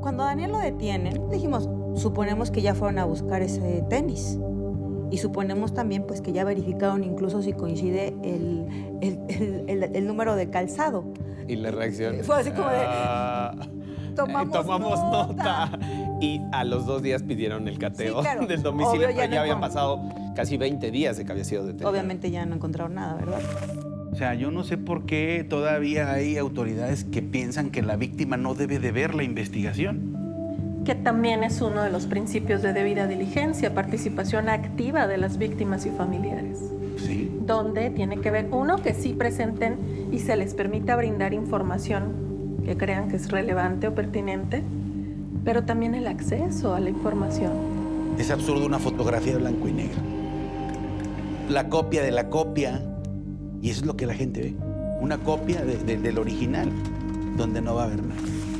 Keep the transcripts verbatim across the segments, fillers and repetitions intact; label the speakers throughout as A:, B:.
A: Cuando a Daniel lo detienen, dijimos, suponemos que ya fueron a buscar ese tenis. Y suponemos también pues, que ya verificaron incluso si coincide el, el, el, el, el número de calzado.
B: Y la reacción...
A: Fue así como de...
B: Ah,
A: tomamos,
B: tomamos
A: nota.
B: nota. Y a los dos días pidieron el cateo,
A: sí, claro.
B: del domicilio,
A: Obvio,
B: pero
A: ya,
B: ya
A: no
B: habían
A: con...
B: pasado casi veinte días de que había sido detenido.
A: Obviamente ya no encontraron nada, ¿verdad?
C: O sea, yo no sé por qué todavía hay autoridades que piensan que la víctima no debe de ver la investigación.
D: Que también es uno de los principios de debida diligencia, participación activa de las víctimas y familiares.
C: Sí.
D: Donde tiene que ver, uno, que sí presenten y se les permita brindar información que crean que es relevante o pertinente, pero también el acceso a la información.
C: Es absurdo una fotografía blanco y negro. La copia de la copia, y eso es lo que la gente ve. Una copia de, de, del original, donde no va a haber nada.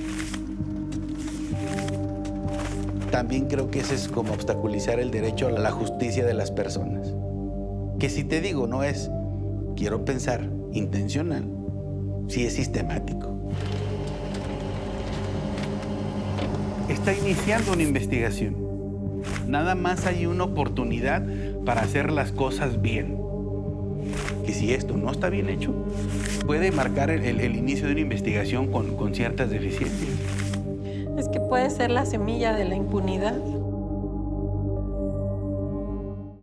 C: También creo que eso es como obstaculizar el derecho a la justicia de las personas. Que si te digo, no es, quiero pensar, intencional, sí es sistemático. Está iniciando una investigación. Nada más hay una oportunidad para hacer las cosas bien. Y si esto no está bien hecho, puede marcar el, el, el inicio de una investigación con, con ciertas deficiencias.
D: Es que puede ser la semilla de la impunidad.